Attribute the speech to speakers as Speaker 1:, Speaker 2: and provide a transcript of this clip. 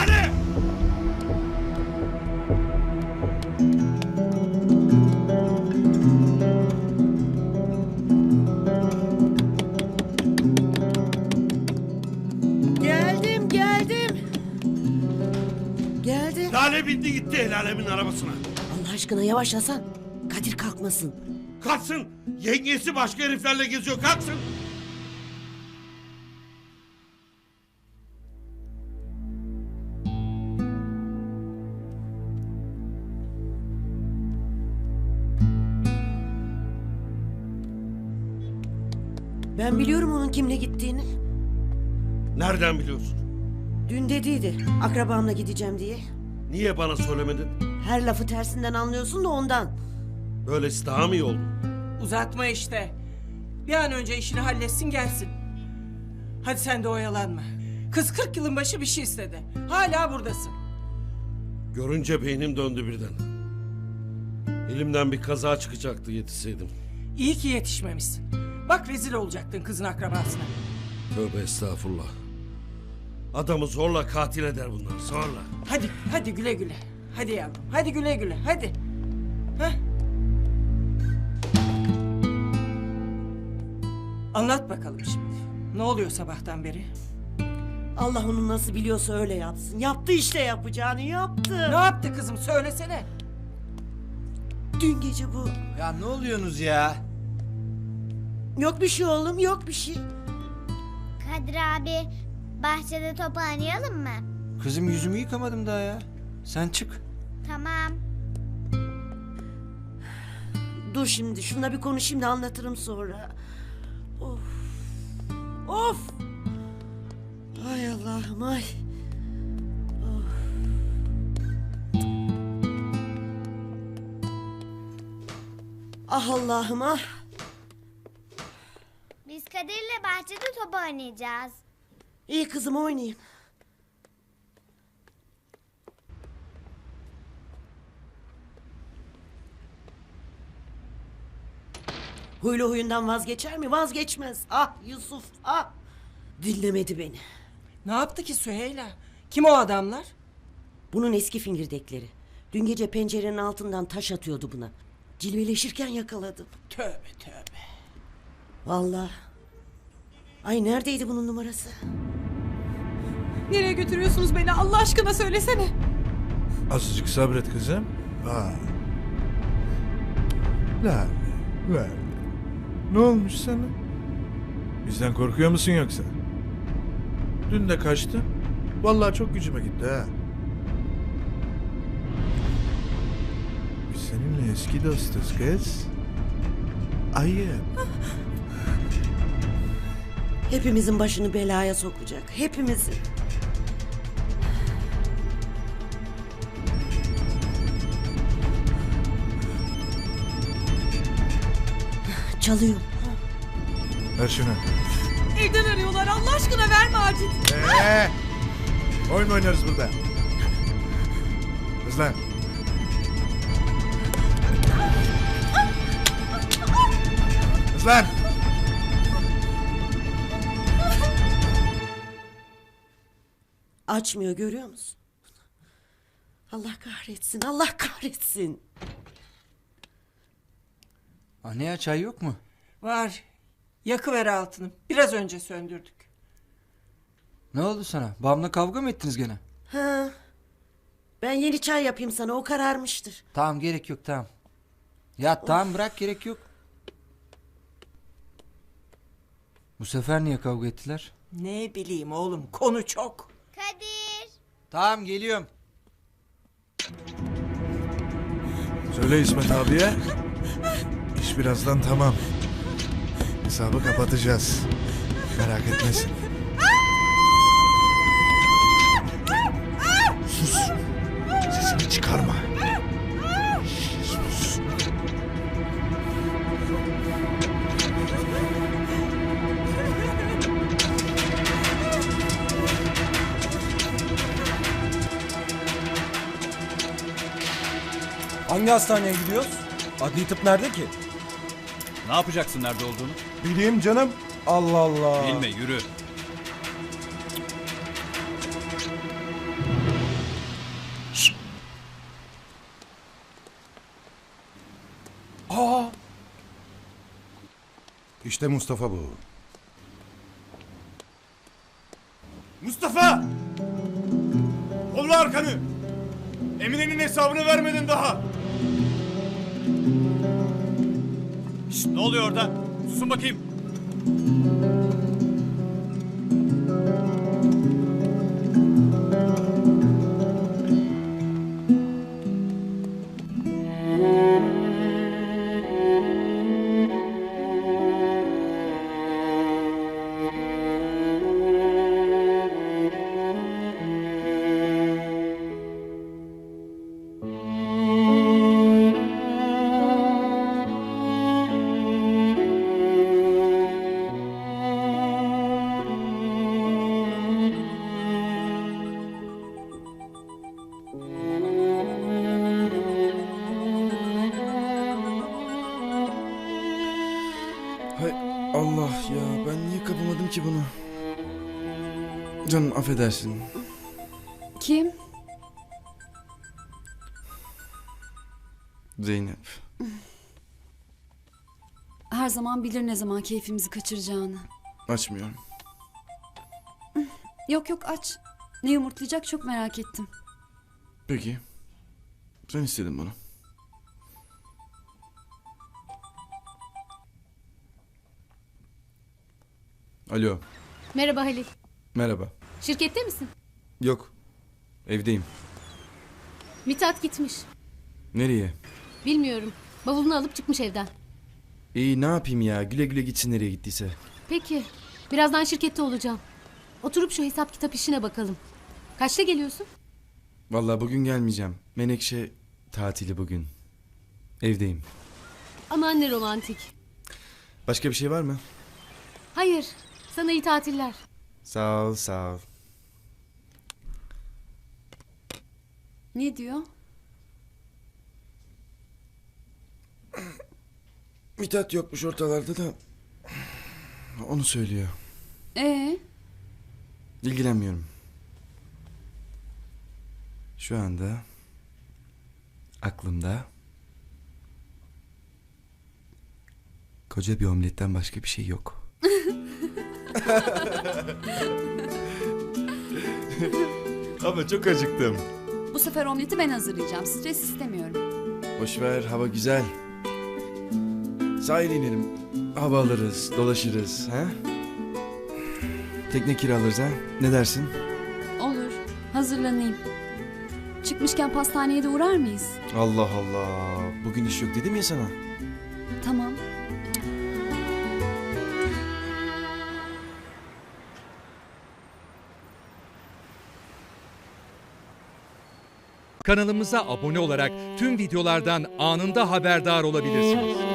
Speaker 1: Hadi!
Speaker 2: Geldim. Geldim.
Speaker 1: Lale bindi gitti el alemin arabasına.
Speaker 2: Allah aşkına yavaş Hasan. Kadir kalkmasın.
Speaker 1: Kalksın. Yengesi başka heriflerle geziyor. Kalksın.
Speaker 2: Ben biliyorum onun kimle gittiğini.
Speaker 1: Nereden biliyorsun?
Speaker 2: Dün dediydi akrabamla gideceğim diye.
Speaker 1: Niye bana söylemedin?
Speaker 2: Her lafı tersinden anlıyorsun da ondan.
Speaker 1: Böylesi daha mı iyi oldu?
Speaker 3: Uzatma işte. Bir an önce işini halletsin gelsin. Hadi sen de oyalanma. Kız 40 yılın başı bir şey istedi. Hala buradasın.
Speaker 1: Görünce beynim döndü birden. Elimden bir kaza çıkacaktı yetişseydim.
Speaker 3: İyi ki yetişmemişsin. Bak rezil olacaktın kızın akrabasına.
Speaker 1: Tövbe estağfurullah. Adamı zorla katil eder bunlar, zorla.
Speaker 3: Hadi güle güle. Hadi yavrum, hadi güle güle, hadi. Heh. Anlat bakalım şimdi. Ne oluyor sabahtan beri?
Speaker 2: Allah onu nasıl biliyorsa öyle yapsın. Yaptı işte yapacağını yaptı.
Speaker 3: Ne yaptı kızım söylesene.
Speaker 2: Dün gece bu.
Speaker 4: Ya ne oluyorsunuz ya?
Speaker 2: Yok bir şey oğlum, yok bir şey.
Speaker 5: Kadir abi, bahçede top oynayalım mı?
Speaker 4: Kızım yüzümü yıkamadım daha ya. Sen çık.
Speaker 5: Tamam.
Speaker 2: Dur şimdi şununla bir konuşayım da anlatırım sonra. Of. Of. Ay Allah'ım ay. Of. Ah Allah'ım ah.
Speaker 5: Biz Kadir'le bahçede top oynayacağız.
Speaker 2: İyi kızım oynayayım. Huylu huyundan vazgeçer mi? Vazgeçmez. Ah Yusuf ah. Dinlemedi beni.
Speaker 3: Ne yaptı ki Süheyla? Kim o adamlar?
Speaker 2: Bunun eski fingirdekleri. Dün gece pencerenin altından taş atıyordu buna. Cilveleşirken yakaladım.
Speaker 3: Tövbe tövbe.
Speaker 2: Vallahi. Ay neredeydi bunun numarası?
Speaker 6: Nereye götürüyorsunuz beni Allah aşkına söylesene.
Speaker 7: Azıcık sabret kızım. Lale. Ne olmuş sana? Bizden korkuyor musun yoksa? Dün de kaçtın. Vallahi çok gücüme gitti ha. Biz seninle eski dostuz kız. Ayıp.
Speaker 2: Hepimizin başını belaya sokacak. Hepimizin. Çalıyor.
Speaker 7: Ver şunu.
Speaker 6: Evden arıyorlar Allah aşkına verme Acil.
Speaker 7: Oyun oynarız burada. Kızlar. Kızlar.
Speaker 2: Açmıyor görüyor musun? Allah kahretsin, Allah kahretsin.
Speaker 4: Anne ya çay yok mu?
Speaker 3: Var. Yakıver altını. Biraz önce söndürdük.
Speaker 4: Ne oldu sana? Babamla kavga mı ettiniz gene?
Speaker 2: Ha. Ben yeni çay yapayım sana, o kararmıştır.
Speaker 4: Tamam gerek yok tamam. Ya tamam bırak gerek yok. Bu sefer niye kavga ettiler?
Speaker 3: Ne bileyim oğlum konu çok.
Speaker 5: Kadir.
Speaker 4: Tamam geliyorum.
Speaker 7: Söyle İsmet abiye. İş birazdan tamam. Hesabı kapatacağız. Merak etmesin. Sus. Sesini çıkarma. Sus.
Speaker 8: Hangi hastaneye gidiyoruz? Adli tıp nerede ki?
Speaker 9: Ne yapacaksın nerede olduğunu?
Speaker 8: Bileyim canım. Allah Allah.
Speaker 9: Bilme yürü.
Speaker 8: İşte Mustafa bu.
Speaker 10: Mustafa! Kolla arkanı! Emine'nin hesabını vermedin daha! Şşt, ne oluyor orada? Susun bakayım.
Speaker 11: Hay Allah ya, ben niye kapamadım ki bunu? Canım affedersin.
Speaker 6: Kim?
Speaker 11: Zeynep.
Speaker 6: Her zaman bilir ne zaman keyfimizi kaçıracağını.
Speaker 11: Açmıyorum.
Speaker 6: Yok yok aç. Ne yumurtlayacak çok merak ettim.
Speaker 11: Peki. Sen istedin bunu. Alo.
Speaker 12: Merhaba Halil.
Speaker 11: Merhaba.
Speaker 12: Şirkette misin?
Speaker 11: Yok. Evdeyim.
Speaker 12: Mithat gitmiş.
Speaker 11: Nereye?
Speaker 12: Bilmiyorum. Bavulunu alıp çıkmış evden.
Speaker 11: İyi, ne yapayım ya? Güle güle gitsin nereye gittiyse.
Speaker 12: Peki. Birazdan şirkette olacağım. Oturup şu hesap kitap işine bakalım. Kaçta geliyorsun?
Speaker 11: Vallahi bugün gelmeyeceğim. Menekşe tatili bugün. Evdeyim.
Speaker 12: Aman ne romantik.
Speaker 11: Başka bir şey var mı?
Speaker 12: Hayır. Sana iyi tatiller.
Speaker 11: Sağ ol, sağ ol.
Speaker 6: Ne diyor?
Speaker 11: Mithat yokmuş ortalarda da onu söylüyor. İlgilenmiyorum. Şu anda aklımda koca bir omletten başka bir şey yok. Ama çok acıktım.
Speaker 6: Bu sefer omleti ben hazırlayacağım. Stres istemiyorum.
Speaker 11: Boş ver, hava güzel. Sahile inelim. Hava alırız, dolaşırız. Ha? Tekne kiralarız ha? Ne dersin?
Speaker 6: Olur. Hazırlanayım. Çıkmışken pastaneye de uğrar mıyız?
Speaker 11: Allah Allah. Bugün iş yok dedim ya sana.
Speaker 6: Tamam.
Speaker 13: Kanalımıza abone olarak tüm videolardan anında haberdar olabilirsiniz.